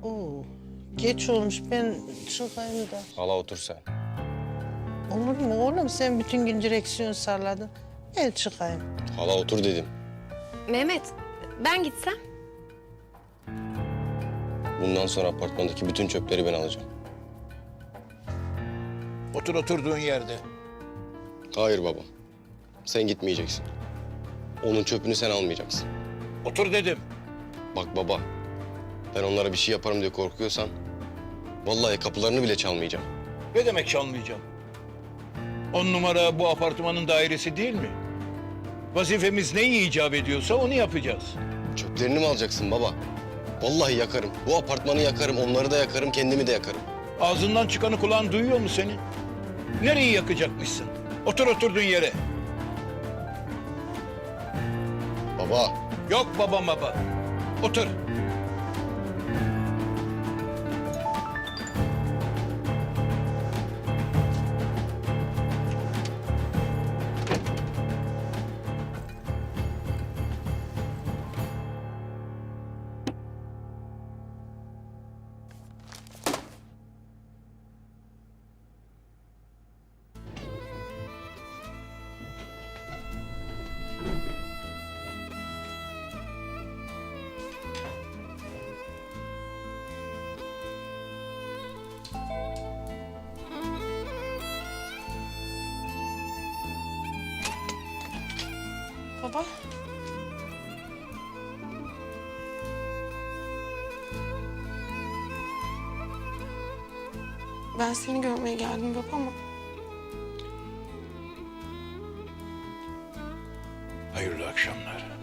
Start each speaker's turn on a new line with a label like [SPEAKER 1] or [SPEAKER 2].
[SPEAKER 1] Oo, geç olmuş. Ben çıkayım da.
[SPEAKER 2] Hala otur sen.
[SPEAKER 1] Olur mu oğlum? Sen bütün gün direksiyon salladın. Gel çıkayım.
[SPEAKER 2] Hala otur dedim.
[SPEAKER 3] Mehmet, ben gitsem?
[SPEAKER 2] Bundan sonra apartmandaki bütün çöpleri ben alacağım.
[SPEAKER 4] Otur oturduğun yerde.
[SPEAKER 2] Hayır baba. Sen gitmeyeceksin. Onun çöpünü sen almayacaksın.
[SPEAKER 4] Otur dedim.
[SPEAKER 2] Bak baba. Ben onlara bir şey yaparım diye korkuyorsan... ...vallahi kapılarını bile çalmayacağım.
[SPEAKER 4] Ne demek çalmayacağım? 10 numara bu apartmanın dairesi değil mi? Vazifemiz neyi icap ediyorsa onu yapacağız.
[SPEAKER 2] Çöplerini mi alacaksın baba? Vallahi yakarım. Bu apartmanı yakarım, onları da yakarım, kendimi de yakarım.
[SPEAKER 4] Ağzından çıkanı kulağın duyuyor mu senin? Nereyi yakacakmışsın? Otur oturduğun yere.
[SPEAKER 2] Baba.
[SPEAKER 4] Yok baba. Otur.
[SPEAKER 3] Baba. Ben seni görmeye geldim baba ama
[SPEAKER 4] Hayırlı akşamlar.